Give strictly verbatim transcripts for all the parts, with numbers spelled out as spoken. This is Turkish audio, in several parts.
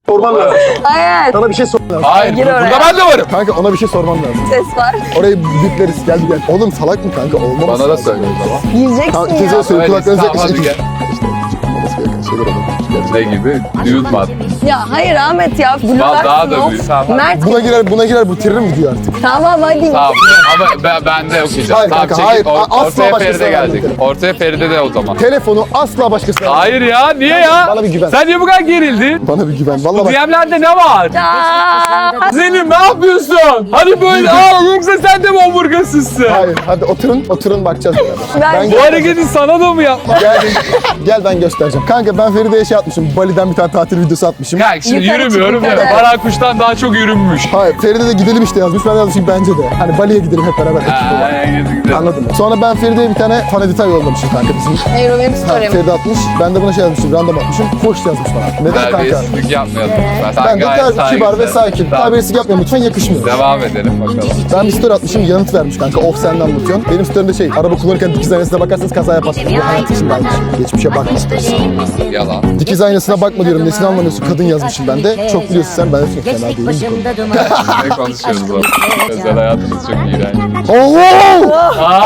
Sorman lazım. Hayır. Sana bir şey sormam lazım. Hayır, Gir burada oraya. ben de varım. Kanka ona bir şey sormam lazım. Ses var. Orayı bipleriz. Gel gel. Oğlum salak mı kanka? Olmaz. Bana da söyle o zaman. Gireceksin Tamam ya. ikinize de söyle. Öyle, Kulaklarınıza tamam, hadi yaklaşın. gel. Olması gereken şeyler olur. Ne gibi? Nude mat. Ya hayır Ahmet ya. Daha- daha da Blurlarsın büyük. of. Tamam. Mert. Buna girer, buna girer. Bu tiririm video artık. Tamam hadi. Tamam ama ben, ben de okuyacağım. Hayır Tamam, kanka, çekil. hayır. Or- Asla ortaya başkasına Feride gelecek. vermem. Ortaya Feride de o zaman. Telefonu asla başkasına vermem. Hayır ya, niye ya? Bana bir güven. Sen niye bu kadar gerildin? Bana bir güven. Vallahi Bu bak. D M'lerde ne var? Aa, Selim ne yapıyorsun? Hani böyle aa yoksa sen de mi omurgasızsın? Hayır hadi oturun. Oturun bakacağız beraber. Ben- Bu hareketi sana da mı yapma? Gel, gel ben göstereceğim. Kanka ben Feride'ye şey atmışım. Bali'den bir tane tatil videosu atmışım. Kanka şimdi Yukarı yürümüyorum çık, ya. yukarı. Baran kuştan daha çok yürünmüş. Hayır Feride de gidelim işte yazmış. Ben de yazmışım bence de. Hani Bali'ye gidelim hep beraber. ekip olarak. Aa, gidi gidi. Anladın mı? Sonra ben Feride'ye bir tane fan editör yollamışım kanka bizim. hayır o benim Ha, story'm. Feride atmış. Ben de buna şey yazmışım. Random atmışım. Hoş yazmış bana. Neden kanka? Terbiyesizlik yapmayalım lütfen. Ben de gayet ter- kibar ve saygısın. sakin. Tamam. Terbiyesizlik yapmayın lütfen, yakışmıyor. Devam edelim bakalım. Ben bir story atmışım, yanıt vermiş kanka. Of sen ne anlatıyorsun? Benim story'imde şey, araba kullanırken dikiz aynasına bakarsanız kaza yaparsınız. Bu hayat içindeymiş. Geçmişe bakma story'si. Yalan. Dikiz aynasına bakma diyorum. Nesini anlamıyorsun? Kadın yazmışım ben de. Çok biliyorsun sen. Ben de çok fena Geçtik değilim. başımda duman. Ne konuşuyoruz o? Özel hayatımız çok iğrenç. Oo!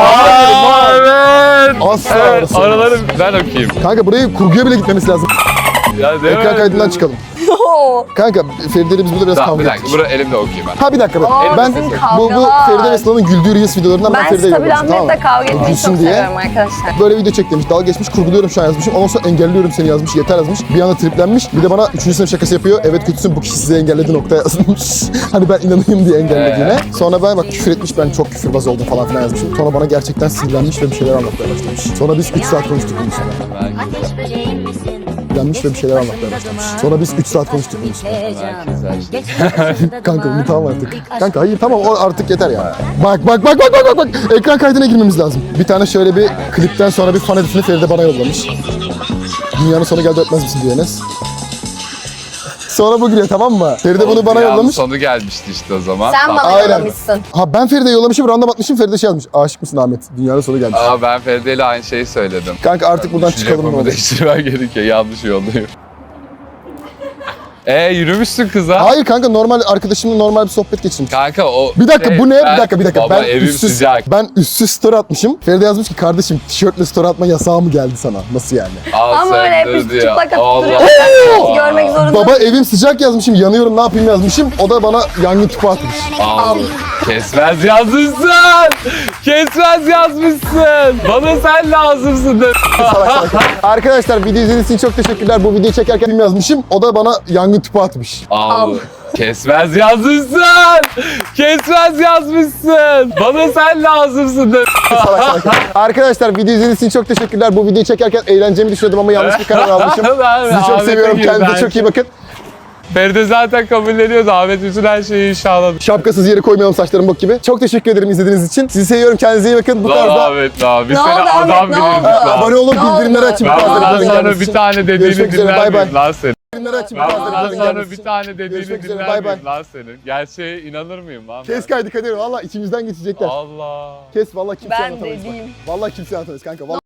Aa evet. Asla Evet, orası. araları ben okuyayım. Kanka burayı kurguya bile gitmemiz lazım. Ya değil Ekran mi? kaydından çıkalım. Kanka Feride'yle biz burada biraz Tamam kavga bir dakika. ettik. Bunu elimde okuyayım ben. Ha bir dakika. Oo, ben bizim bu, bu kavgalar. Feride ve Sıla'nın güldüğü Reels videolarından ben, Ben Feride'ye stabil yollamışım. Ahmet'le kavga etmeyi Gülsün çok diye. seviyorum arkadaşlar. Böyle video çek demiş. Dalga geçmiş, kurguluyorum şu an yazmışım. Ondan sonra engelliyorum seni yazmış. Yeter yazmış. Bir anda triplenmiş. Bir de bana üçüncü sınıf şakası yapıyor. Evet kötüsün, bu kişi sizi engelledi nokta yazmış. Hani ben inanayım diye engellediğine. Sonra ben bak küfür etmiş, ben çok küfürbaz oldum falan filan yazmışım. Sonra bana gerçekten sinirlenmiş ve bir şeyler anlatmaya başlamış. Sonra biz üç saat konuştuk bunun üstüne. Ateş böceğim misin? Sinirlenmiş ve bir şeyler anlatmaya başlamış. Sonra biz üç saat konuştuk bunun üstüne. Heyecan. Geçtik başımda Kanka duman. unutamam artık. İlk Kanka hayır tamam o artık yeter ya. Bak bak bak bak bak bak bak. Ekran kaydına girmemiz lazım. Bir tane şöyle bir klipten sonra bir fan editini Feride bana yollamış. Dünyanın sonu geldi öpmez misin diyor Enes. Sonra bu giriyor tamam mı? Feride bunu bana Dünyanın yollamış. sonu gelmişti işte o zaman. Sen Tamam. bana Aynen. yollamışsın. Ha ben Feride'ye yollamışım, random atmışım, Feride şey yazmış. Aşık mısın Ahmet? Dünyanın sonu gelmiş. Aa ben Feride ile aynı şeyi söyledim. Kanka artık buradan Düşünce çıkalım ne yapımı olur. değiştirmen gerekiyor. Yanlış yoldayım. Eee yürümüşsün kıza. Hayır kanka normal arkadaşımla normal bir sohbet geçirmiş. Kanka o... Bir dakika şey, bu ne? ben- Bir dakika bir dakika. Baba ben evim üstsüz, sıcak. ben üstsüz story atmışım. Feride yazmış ki kardeşim tişörtle story atma yasağı mı geldi sana? Nasıl yani? Al Ama sen öyle hep dur üst diyor. çıplak atıp Allah duruyor. Allah. Görmek zorunda. Baba evim sıcak yazmışım, yanıyorum ne yapayım yazmışım. O da bana yangın tüpü atmış. Al. Kesmez yazmışsın. Kesmez yazmışsın. Bana sen lazımsın de. Salak salak. Arkadaşlar video izlediğiniz için çok teşekkürler. Bu videoyu çekerken film yazmışım. O da bana yangın tüpü atmış. Al. Kesmez yazmışsın. Kesmez yazmışsın. Bana sen lazımsın de. Salak salak. Arkadaşlar video izlediğiniz için çok teşekkürler. Bu videoyu çekerken eğleneceğimi düşünüyordum ama yanlış bir karar almışım. Sizi çok Ahmet'e seviyorum. girdi Kendinize her çok iyi şey. bakın. Feride zaten kabulleniyordu. Ahmet bütün her şeyi inşallah. Şapkasız yere koymayalım saçlarım bok gibi. Çok teşekkür ederim izlediğiniz için. Sizi seviyorum. Kendinize iyi bakın. Bu Lan tarzda Ahmet lan. Biz Ne seni oldu Ahmet, adam ne bilirdik oldu? lan. abone olun, Ne bildirimleri oldu? açın. Ben bazıları bundan videoların sonra gelmesi bir için. tane dediğini Görüşmek üzere, dinler bay bay. miyim lan senin? Bildirimleri açın. Ben bazıları bundan videoların sonra gelmesi bir için. tane dediğini Görüşmek üzere, dinler bay bay. miyim lan senin? Gerçeğe inanır mıyım lan ben? Kes kaydı Kadir. Valla içimizden geçecekler. Allah. Kes valla kimse Ben anlatamayız. bak. dediğim. Valla kimse anlatamayız kanka. Vallahi